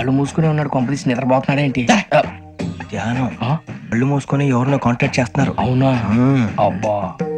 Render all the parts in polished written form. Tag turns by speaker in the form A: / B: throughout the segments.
A: కళ్ళు మూసుకునే ఉన్నాడు, కొంపదీసి నిద్రపోతున్నాడేంటి?
B: ధ్యానం. కళ్ళు మూసుకొని ఎవరినో కాంటాక్ట్ చేస్తున్నారు.
A: అవునా? అబ్బా.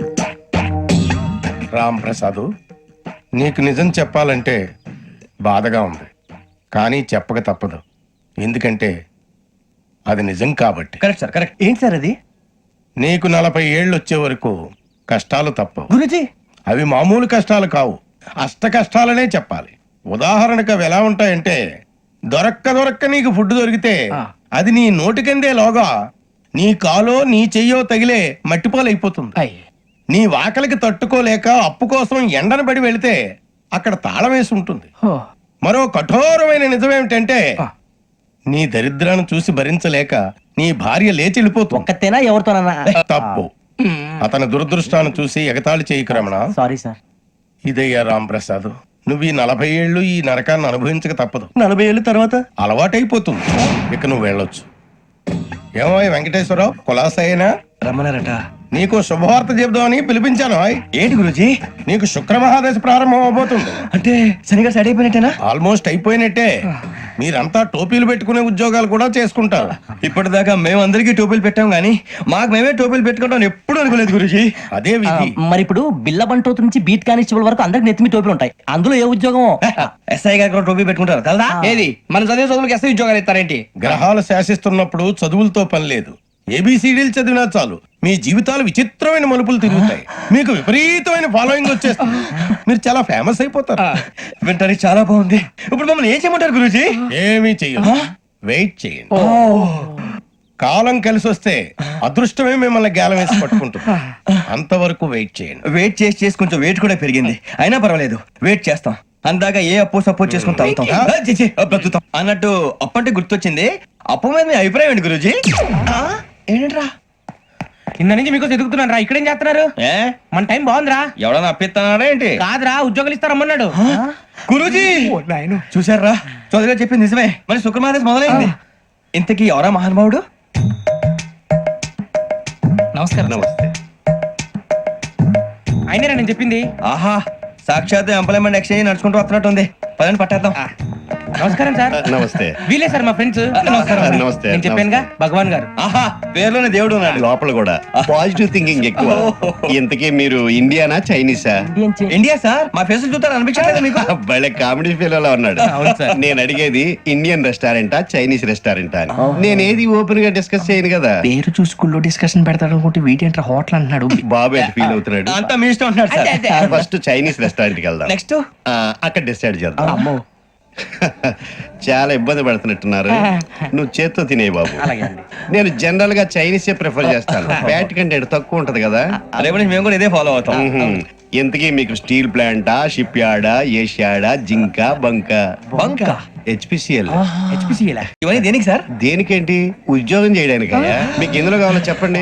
C: రామ్ ప్రసాద్, నీకు నిజం చెప్పాలంటే బాధగా ఉంది, కానీ చెప్పక తప్పదు. ఎందుకంటే అది నిజం కాబట్టి.
B: Correct sir, correct. ఏంటి సార్ అది?
C: నీకు 40 ఏళ్ళు వచ్చే వరకు కష్టాలు తప్పవు.
B: గురుజీ,
C: అవి మామూలు కష్టాలు కావు, అష్ట కష్టాలనే చెప్పాలి. ఉదాహరణకు అవి ఎలా ఉంటాయంటే, దొరక్క నీకు ఫుడ్ దొరికితే అది నీ నోటికందే లోగా నీ కాలో నీ చెయ్యో తగిలే మట్టిపాలైపోతుంది. నీ వాకలికి తట్టుకోలేక అప్పు కోసం ఎండను పడి వెళితే అక్కడ తాళం వేసి ఉంటుంది. మరో కఠోరమైన నిజమేమిటంటే, నీ దరిద్రాన్ని చూసి భరించలేక నీ భార్య లేచి వెళ్ళిపోతుంది.
B: ఒక్కతేనా ఎవరితోనన్నా?
C: తప్పు. అతని దురదృష్టాన్ని చూసి ఎగతాళి చేయకు రమణ.
B: Sorry sir.
C: ఇదయ్యా రాంప్రసాద్, నువ్వు ఈ 40 ఏళ్ళు ఈ నరకాన్ని అనుభవించక తప్పదు.
B: 40 ఏళ్ళ తర్వాత
C: అలవాటైపోతుంది. ఇక నువ్వు వెళ్ళొచ్చు. ఏమో వెంకటేశ్వరరావు, కులాసైనా
B: రమ్మన్నారట.
C: నీకు శుభవార్త చెబుదామని పిలిపించాను.
B: ఏంటి గురుజీ?
C: నీకు శుక్రమహాదశ ప్రారంభం అవబోతుంది.
B: అంటే శనిగా సెట్ అయిపోయినట్టేనా?
C: ఆల్మోస్ట్ అయిపోయినట్టే. మీరంతా టోపీలు పెట్టుకునే ఉద్యోగాలు కూడా చేసుకుంటారు.
B: ఇప్పటిదాకా మేమందరికీ టోపీలు పెట్టాం గానీ మాకు మేమే టోపీలు పెట్టుకుంటాం ఎప్పుడు అనుకోలేదు గురుజీ.
C: అదే విధి.
D: మరి ఇప్పుడు బిల్ల బంటోతు నుంచి బీట్ కానిస్టేబుల్ వరకు అందరికి నెత్తిమి టోపీలు ఉంటాయి. అందులో ఏ ఉద్యోగం?
B: ఎస్ఐ గారు కూడా టోపీ పెట్టుకుంటారు కదా?
A: ఏది మన చదివే చదువులకు ఎస్ఐ ఉద్యోగాలు ఇస్తారేంటి?
C: గ్రహాలు శాసిస్తున్నప్పుడు చదువులతో పని లేదు. ఏబిసిడీలు చదివినా చాలు మీ జీవితాలు విచిత్రమైన మలుపులు తిరుగుతాయి. మీకు విపరీతమైన ఫాలోయింగ్ వచ్చేస్తుంది. మీరు చాలా ఫేమస్ అయిపోతారు.
B: వింటానికి చాలా బాగుంది. ఇప్పుడు మమ్మల్ని ఏం చేయమంటారు గురూజీ?
C: ఏమీ చెయ్యదు, వెయిట్ చేయండి. కాలం కలిసి వస్తే అదృష్టమే మిమ్మల్ని గేలం వేసి పట్టుకుంటుంది. అంతవరకు వెయిట్ చేయండి.
B: వెయిట్ చేసి కొంచెం వెయిట్ కూడా పెరిగింది. అయినా పర్వాలేదు, వెయిట్ చేస్తాం. అందాక ఏ అప్పు సపోర్ట్ చేసుకుని తాగుతాం, బ్రతుకుతాం అన్నట్టు. అప్పు అంటే గుర్తొచ్చింది. అప్పు మీద మీ అభిప్రాయం ఏంటి గురూజీ? ఏంటరా
A: కింద నుంచి మీకు ఎదుగుతున్నాను రా. ఇక్కడేం చేస్తున్నారు? మన టైం బాగుందిరా.
B: ఎవడన్నా అప్పిస్తున్నాడా ఏంటి?
A: కాదురా, ఉద్యోగాలు ఇస్తారమ్మన్నాడు
B: గురూజీ. చూసారా, చౌదరిగా చెప్పింది నిజమే. మరి శుక్రమాదేశ్ మొదలైంది. ఇంతకీ ఎవరా మహానుభావుడు?
A: నమస్కారం.
C: నమస్తే.
A: అయినరా నేను చెప్పింది?
B: ఆహా, సాక్షాత్ ఎంప్లాయ్మెంట్ ఎక్స్చేంజ్ నడుచుకుంటూ వస్తున్నట్టు ఉంది. పదండి పట్టేద్దాం.
A: నమస్కారం సార్.
C: నమస్తే.
A: వీలే సార్ మా ఫ్రెండ్స్.
C: నమస్కారం. నమస్తే.
A: నేను చెప్పానుగా, భగవాన్ గారు.
B: ఆహా, పేర్లోనే దేవుడు ఉన్నాడు.
E: లోపల కూడా పాజిటివ్ థింకింగ్ ఎక్కువ. ఇంతకీ మీరు ఇండియానా చైనీసా?
B: India sir. మా ఫేస్ చూస్తారు అనిపించలేదు మీకు?
E: భలే కామెడీ ఫీల్ అలా ఉన్నాడు. నేను అడిగేది ఇండియన్ రెస్టారెంటా చైనీస్ రెస్టారెంటా అని. నేనేది ఓపెన్ గా డిస్కస్ చేయను కదా.
A: పేరు చూసి స్కూల్లో డిస్కషన్ పెడతాడు అనుకుంటే వీటేంట్రా హోటల్ అంటున్నాడు.
E: బాబు ఎట్ ఫీల్ అవుతున్నాడు.
B: అంతా మీ ఇష్టం అంటున్నాడు సార్.
E: ఫస్ట్ చైనీస్ రెస్టారెంట్ కి వెళ్దాం.
B: నెక్స్ట్
E: అక్కడ డిసైడ్ చేద్దాం. చాలా ఇబ్బంది పడుతున్నట్టున్నారు. నువ్వు చేత్తో తినే బాబు. నేను జనరల్ గా చైనీసే ప్రిఫర్ చేస్తాను. ఫ్యాట్ కంటెంట్ తక్కువ ఉంటది కదా.
B: రేపు నుంచి మేము కూడా ఇదే ఫాలో అవుతాం.
E: ఇంతకీ మీకు స్టీల్ ప్లాంటా, షిప్ యార్డా, ఏషియాడా, జింక, బంకా?
B: బంకా,
E: హెచ్పిసిఎల్.
B: ఇవన్నీ దేనికి సార్?
E: దేనికేంటి? ఉద్యోగం చేయడానికి. మీకు ఎందులో కావాలో చెప్పండి.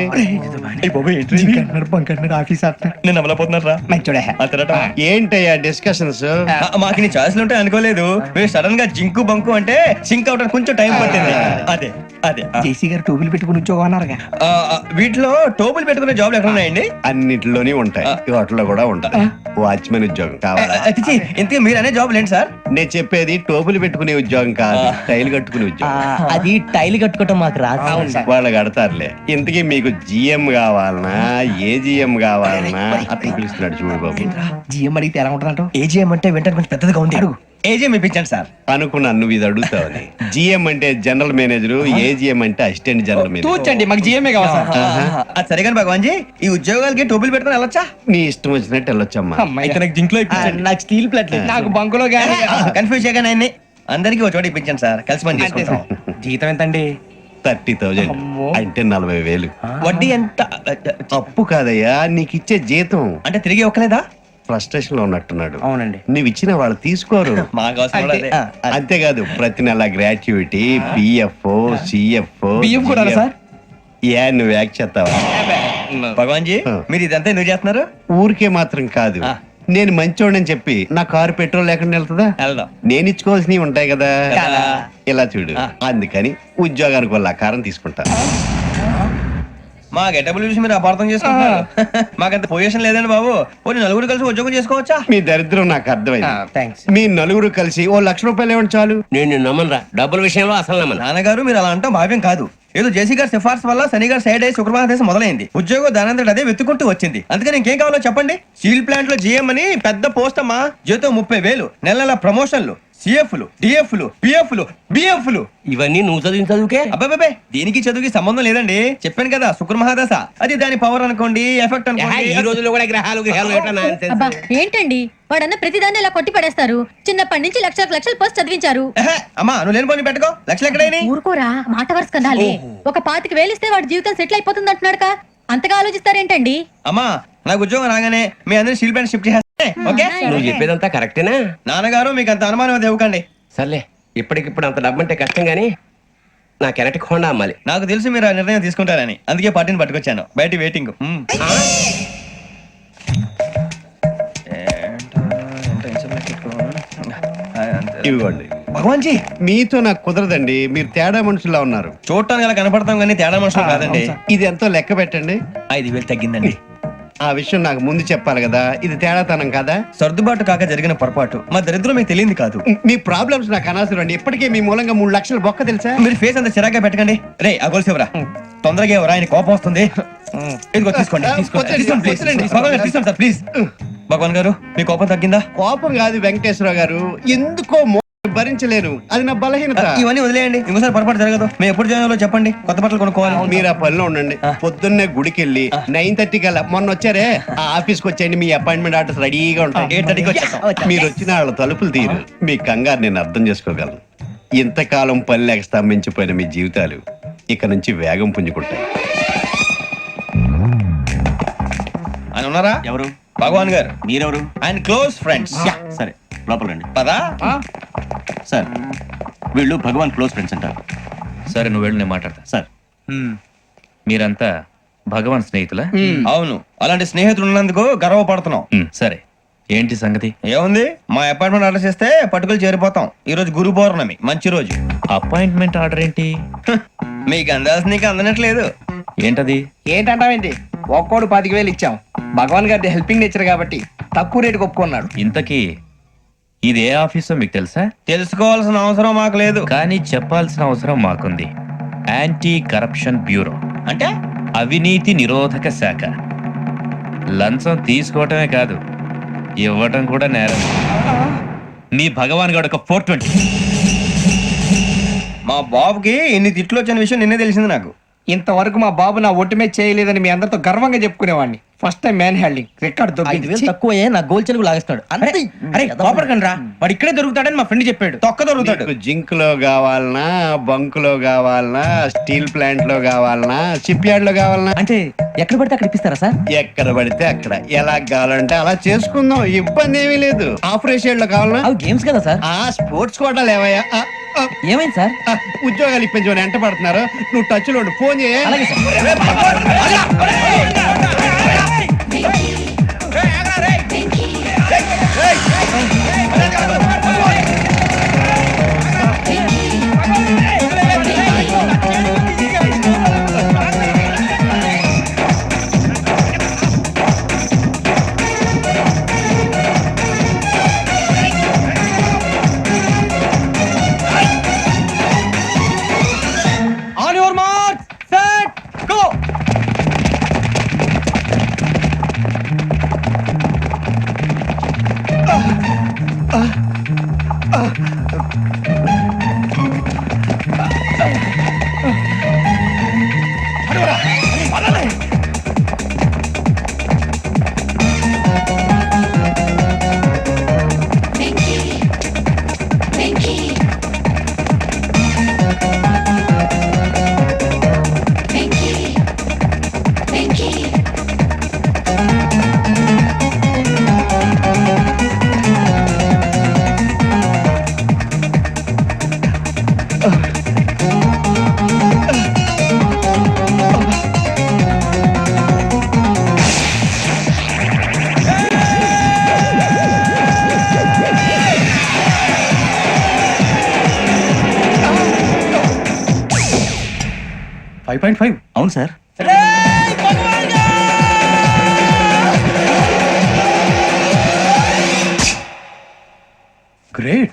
B: నేను అమలపోతున్నారా?
E: ఏంటయ్యా డిస్కషన్స్?
B: మాకు నీ ఛాయిస్లు ఉంటాయి అనుకోలేదు. మీరు సడన్ గా జింకు బంకు అంటే సింక్ అవడానికి కొంచెం టైం పట్టింది. అదే అదే
A: జేసీ గారు టోపీలు పెట్టుకుని ఉద్యోగం అన్నారుగా.
B: వీటిలో టోపులు పెట్టుకునే జాబ్లు ఎక్కడ ఉన్నాయండి?
E: అన్నిటిలోనే ఉంటాయి, వాటిలో కూడా ఉంటాయి. వాచ్మెన్ ఉద్యోగం కావాలా?
B: ఇంతకీ మీరు అనే జాబ్ ఏంటి సార్?
E: నేను చెప్పేది టోపులు పెట్టుకునే ఉద్యోగం కాదు, టైల్ కట్టుకునే ఉద్యోగం.
D: అది టైల్ కట్టుకోవటం మాకు రాదు.
E: వాళ్ళు కడతారులే. ఇంతకీ మీకు జిఎం కావాలనా, ఏ జిఎం కావాలనా? అతను పిలుస్తున్నాడు చూడు బాబు.
A: జిఎం అడిగితే ఎలా ఉంటుందంట?
B: ఏజీఎం అంటే వెంటనే కొంచెం పెద్దదిగా ఉంది. అడుగు. ఏజీఎం ఇప్పించండి సార్.
E: అనుకున్నాను నువ్వు ఇది అడుగుతావని. జిఎం అంటే జనరల్ మేనేజర్, ఏజిఎం అంటే అసిస్టెంట్ జనరల్ మేనేజర్.
A: తూచండి, మాకు జిఎంఏ కావాలి సార్.
B: అది సరే కానీ భగవాన్ జీ, ఈ ఉద్యోగాలకి టోపులు పెట్టుకుని వెళ్ళొచ్చా?
E: నీ ఇష్టం వచ్చినట్టు వెళ్ళొచ్చమ్మా.
B: అయితే నాకు జింక్ లో ఇప్పించండి.
D: నాకు స్టీల్ ప్లేట్
A: నాకు బంకులో గానీ.
B: కన్ఫ్యూజ్ చేయగానే ఆయన్ని అందరికి ఒక చోట ఇప్పించండి సార్. కలిసి పని చేసుకుంటాం.
A: జీతం ఎంతండి?
E: 30,000 అంటే 40,000.
B: వడ్డీ ఎంత?
E: అప్పు కాదయ్యా, నీకు ఇచ్చే జీతం.
B: అంటే తిరిగి ఒక్కలేదా?
E: ఫ్రస్ట్రేషన్ లో ఉన్నట్టున్నాడు.
A: అవునండి.
E: నువ్వు ఇచ్చిన వాళ్ళు తీసుకోరు.
B: మాకు అవసరం కూడా అదే.
E: అంతేకాదు ప్రతి నెల గ్రాట్యుటీ, పిఎఫ్, సిఎఫ్.
A: బియ్యం కూడా సార్?
E: ఏ నువ్వు యాక్ చేస్తావా?
B: భగవాన్ జీ, మీరు ఇదంతా ఎందుకు చేస్తున్నారు?
E: ఊరికే మాత్రం కాదు, నేను మంచోడని చెప్పి నా కారు పెట్రోల్ లేకుండా వెళ్తుందా?
B: వెళ్దాం.
E: నేను ఇచ్చుకోవాల్సినవి ఉంటాయి కదా. ఇలా చూడు,
B: ఆ.
E: అందుకని ఉద్యోగానికి వాళ్ళ ఆకారం తీసుకుంటా.
B: మా గెటబుల్ చూసి మీరు అపార్థం చేసుకుంటున్నారు. మాకంత పొజిషన్ లేదండి బాబు. పోనీ నలుగురు కలిసి ఉద్యోగం చేసుకోవచ్చా?
E: మీ దరిద్రం నాకు అర్థమైంది.
A: థ్యాంక్స్.
E: మీ నలుగురు కలిసి ₹1,00,000 ఇవ్వండి చాలు.
F: నేను నమ్మనరా, డబ్బుల విషయంలో అసలు నమ్మను.
B: నాన్నగారు మీరు అలా అంటాం భావ్యం కాదు. ఏదో జేసీ గారి సిఫార్సు వల్ల శని గారు సైడ్ అయ్యి శుక్రవారం మొదలైంది. ఉద్యోగం దానంతటి అదే వెతుకుంటూ వచ్చింది. అందుకని ఇంకేం కావాలో చెప్పండి. స్టీల్ ప్లాంట్ లో జీఎం అని పెద్ద పోస్ట్ అమ్మా. జీతం 30,000, నెల నెల ప్రమోషన్లు, సిఎఫ్లు, డిఎఫ్లు, పిఎఫ్లు, బిఎఫ్లు.
F: ఇవన్నీ నువ్వు చదివిన చదువుకే.
B: అబ్బాబే దీనికి చదువుకి సంబంధం లేదండి. చెప్పాను కదా శుక్ర మహాదశ. అది దాని పవర్ అనుకోండి, ఎఫెక్ట్
F: ఈ
B: అనుకోండి.
F: రోజుల్లో కూడా గ్రహాలు ఏటా nonsense.
G: అబ్బా ఏంటండి వాడన్న ప్రతిదాన్ని ఇలా కొట్టి పడేస్తారు. చిన్నప్పటి నుంచి లక్షలు పోస్ట్ చదివించారు.
B: ఎహె, అమ్మా నువ్వు లేని పోనీ పెట్టుకో. లక్షలు ఎక్కడైనా
G: ఊరుకోరా, మాట వరుస కదాలే. ఒక 25,000 ఇస్తే వాడి జీవితం సెటిల్ అయిపోతుంది అంటున్నాడుగా. అంతగా ఆలోచిస్తారేంటండి?
B: అమ్మా నాకు ఉద్యోగం రాగానే మీ అందరి స్టీల్ ప్లాంట్ షిఫ్ట్ చేస్తే ఓకే.
F: నువ్వు చెప్పేదంతా కరెక్టేనా?
B: నాన్నగారు మీకు అంత అనుమానం అది ఇవ్వకండి.
F: సర్లే, ఇప్పటికిప్పుడు అంత డబ్బు అంటే కష్టం గానీ నా కెనటిక్ హోండా అమ్మాలి.
B: నాకు తెలుసు మీరు ఆ నిర్ణయం తీసుకుంటారని, అందుకే పార్టీని పట్టుకొచ్చాను. బయట వెయిటింగ్.
E: ఇవ్వండి.
B: భగవాన్ జీ
E: మీతో నాకు కుదరదండి, మీరు తేడా మనుషుల్లా ఉన్నారు.
B: చూడటానికి అలా కనపడతాం కానీ తేడా మనుషులు కాదండి.
E: ఇది ఎంతో లెక్క పెట్టండి.
B: 5,000 తగ్గిందండి.
E: ఆ విషయం నాకు ముందు చెప్పాలి కదా, ఇది తేడాతనం కదా.
B: సర్దుబాటు కాక జరిగిన పొరపాటు. మా దరిద్రం మీకు తెలియదు కాదు.
E: మీ ప్రాబ్లమ్స్ నాకు అనవసరం అండి. ఇప్పటికే మీ మూలంగా 3,00,000 బొక్క తెలుసా.
B: మీరు ఫేస్ అంత చిరాగ్గా పెట్టకండి. రే ఆ గొలుసు ఎవరా? తొందరగా ఎవరా? ఆయన కోపం వస్తుంది. ఇదిగో తీసుకోండి. తీసుకోండి ప్లీజ్. భగవాన్ గారు తీసుకోండి సార్ ప్లీజ్. భగవాన్ గారు మీ కోపం తగ్గిందా?
E: కోపం కాదు వెంకటేశ్వరరావు గారు, ఎందుకో భరించలేను, అది నా బలహీనత.
B: ఇవన్నీ వదిలేయండి, ఇంకోసారి పొరపాటు జరగదు. మేము ఎప్పుడు జాయిన్ అవ్వాలో చెప్పండి, కొత్త బట్టలు కొనుక్కోవాలి.
E: మీరు ఆ పనిలో ఉండండి. పొద్దున్నే గుడికి వెళ్ళి 9:30 కల్లా, మొన్న వచ్చారే ఆ ఆఫీస్కి వచ్చేయండి. మీ అపాయింట్మెంట్ ఆర్డర్స్ రెడీగా ఉంటాయి.
B: 8:30కి వచ్చేస్తాం.
E: మీరు వచ్చిన వాళ్ళ తలుపులు తీరు. మీ కంగారు నేను అర్థం చేసుకోగలను. ఇంతకాలం పని లేక స్తంభించిపోయిన మీ జీవితాలు ఇక నుంచి వేగం పుంజుకుంటాయి.
B: ఆయన ఉన్నారా?
H: ఎవరు?
B: భగవాన్ గారు.
H: మీరెవరు?
B: ఆయన క్లోజ్ ఫ్రెండ్స్.
H: సరే లోపల రండి.
B: పదా
H: సార్ వీళ్ళు భగవాన్ క్లోజ్ ఫ్రెండ్స్ అంటారు.
I: సరే నువ్వు వెళ్ళు, నేను మాట్లాడతా.
H: సార్
I: మీరంతా భగవాన్ స్నేహితులా?
B: అవును, అలాంటి స్నేహితులు ఉన్నందుకు గర్వపడుతున్నాం.
I: సరే ఏంటి సంగతి?
B: ఏముంది, మా అపాయింట్మెంట్ ఆర్డర్ చేస్తే పట్టుకులు చేరిపోతాం. ఈ రోజు గురు పౌర్ణమి, మంచి రోజు.
I: అపాయింట్మెంట్ ఆర్డర్ ఏంటి?
B: మీకు అందాల్సిన నీకు అందనట్లేదు.
I: ఏంటది?
A: ఏంటంటావేంటి? ఒక్కోడు 25,000 ఇచ్చాం. భగవాన్ గారి హెల్పింగ్ నేచర్ కాబట్టి తక్కువ రేటుకి ఒప్పుకున్నాడు.
I: ఇంతకీ ఇది ఏ ఆఫీసో మీకు తెలుసా?
B: తెలుసుకోవాల్సిన అవసరం మాకు లేదు.
I: కానీ చెప్పాల్సిన అవసరం మాకుంది. యాంటీ కరప్షన్ బ్యూరో,
B: అంటే
I: అవినీతి నిరోధక శాఖ. లంచం తీసుకోవటమే కాదు, ఇవ్వటం కూడా నేరం. మీ భగవాన్ గారు ఒక 420.
B: మా బాబుకి ఎన్ని తిట్లు వచ్చిన విషయం నిన్నే తెలిసింది నాకు.
A: ఇంతవరకు మా బాబు నా ఒట్టుమే చేయలేదని మీ అందరితో గర్వంగా చెప్పుకునేవాడిని. First time man handing record
D: 5,000 తక్కువే నా గోల్ చెలుగు లాగేస్తాడు. అంతే.
A: అరే కోపడకండి రా, వాడు ఇక్కడే దొరుకుతాడని మా ఫ్రెండ్ చెప్పాడు.
B: తొక్క దొరుకుతాడు.
E: మీకు జింక్ లో కావాలనా, బంక్ లో కావాలనా, స్టీల్ ప్లాంట్ లో కావాలనా, షిప్ యార్డ్ లో కావాలనా,
D: అంటే ఎక్కడ పడితే అక్కడ ఇప్పిస్తారా సార్?
E: ఎక్కడ పడితే అక్కడ, ఎలా కావాలంటే అలా చేసుకుందాం. ఇబ్బంది ఏమీ లేదు. ఆపరేషన్ లో కావాలనా,
D: అవి గేమ్స్ కదా సార్.
E: ఆ స్పోర్ట్స్ కోటాలు ఏవయ్యా,
D: ఏమైంది సార్?
E: ఉద్యోగాలు ఇప్పించమని ఎంట పడుతున్నారు. నువ్వు టచ్ లో ఉండు, ఫోన్ చేయ.
D: అలాగే sir.
B: On your mark set go.
H: అవును సార్.
B: గ్రేట్.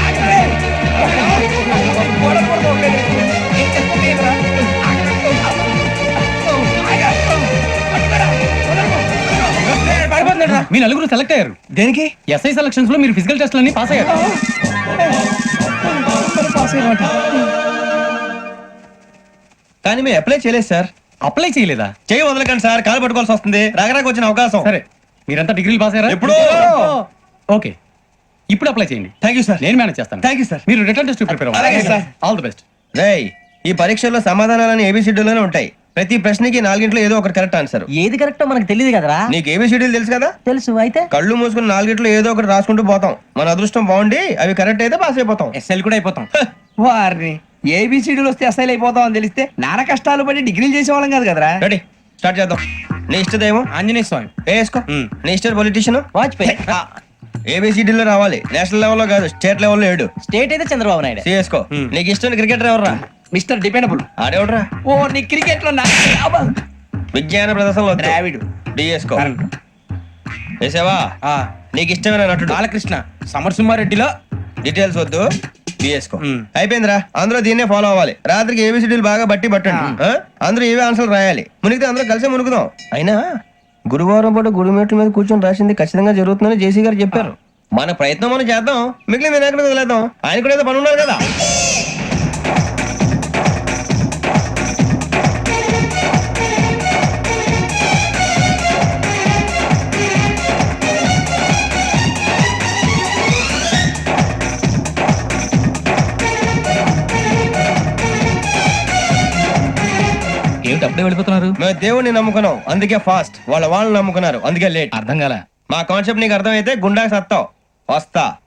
J: మీ నలుగురు సెలెక్ట్ అయ్యారు.
B: దేనికి?
J: ఎస్ఐ సెలక్షన్స్ లో మీరు ఫిజికల్ టెస్ట్ అన్ని పాస్ అయ్యారు.
B: కానీ మేము అప్లై చేయలేదు సార్.
J: అప్లై చేయలేదా?
B: చేయి వదలకండి సార్, కాలు పట్టుకోవాల్సి వస్తుంది. రాగరాకు వచ్చిన అవకాశం.
J: సరే, మీరంతా డిగ్రీలు పాస్ అయ్యారా?
B: ఎప్పుడో.
J: ఓకే, ఇప్పుడు అప్లై చేయండి.
B: Thank you sir.
J: నేను మేనేజ్ చేస్తాను.
B: Thank you sir.
J: మీరు రిటర్న్ టెస్ట్ ప్రిపేర్
B: అలాగే సార్.
J: All the best.
B: రేయ్, ఈ పరీక్షల్లో సమాధానాలని ఏబిసిడ్యూల్లోనే ఉంటాయి. ప్రతి ప్రశ్నకి 4 ఏదో ఒకటి కరెక్ట్ ఆన్సర్.
D: ఏది కరెక్టో మనకు తెలియదు కదరా.
B: నీకు ఏబిసిడ్యూల్ తెలుసు కదా?
D: తెలుసు. అయితే
B: కళ్ళు మూసుకుని 4 ఏదో ఒకటి రాసుకుంటూ పోతాం. మన అదృష్టం బాగుండి అవి కరెక్ట్ అయితే పాస్ అయిపోతాం.
A: ఎస్ఎల్ కూడా అయిపోతాం. వారిని ఏబిసిడీలు వస్తే ఎస్ఐలు అయిపోతాం అని తెలిస్తే నానా కష్టాలు పడి డిగ్రీలు చేసేవాళ్ళం కాదు కదరా.
B: రెడీ, స్టార్ట్ చేద్దాం. నీ ఇష్టదేమో
J: ఆంజనేయ స్వామి.
B: వేసుకో. నీ ఇష్ట పొలిటీషియన్
D: వాజ్పేయి.
B: ఏబిసిడీలో రావాలి. నేషనల్ లెవెల్లో కాదు, స్టేట్ లెవెల్లో 7.
D: స్టేట్ అయితే చంద్రబాబు నాయుడు.
B: సిఎస్కో. నీకు ఇష్టం క్రికెటర్ ఎవర్రా?
A: Mister dependable.
B: ఆడేవడరా?
A: ఓ నీ క్రికెట్ లో
B: విజ్ఞాన ప్రదర్శనలో
A: ద్రావిడు.
B: డిఎస్కో. వేసావా? నీకు ఇష్టమైన నటుడు?
J: బాలకృష్ణ. సమర్సింహారెడ్డిలో
B: డీటెయిల్స్ వద్దు, బిఎస్కో. అయిపోయిందిరా. అందరూ దీన్నే ఫాలో అవ్వాలి. రాత్రికి ఏబిసిడీలు బాగా బట్టి పట్టండి. అందరూ ఏవే ఆన్సర్లు రాయాలి. మునిగితే అందరూ కలిసి మునుగుదాం. అయినా గురువారం పాటు గురుమేట్ల మీద కూర్చొని రాసింది ఖచ్చితంగా జరుగుతుందని జేసీ గారు చెప్పారు. మన ప్రయత్నం మనం చేద్దాం, మిగిలిన నేను ఎక్కడ వదిలేద్దాం. ఆయన కూడా ఏదో పని ఉన్నారు కదా.
J: ఏమిటి అప్పుడే వెళ్ళిపోతున్నారు?
B: మేము దేవుడిని నమ్ముకున్నాం, అందుకే ఫాస్ట్. వాళ్ళని నమ్ముకున్నారు, అందుకే లేట్.
J: అర్థం కాల.
B: మా కాన్సెప్ట్ నీకు అర్థమైతే గుండా సత్తావు. వస్తా.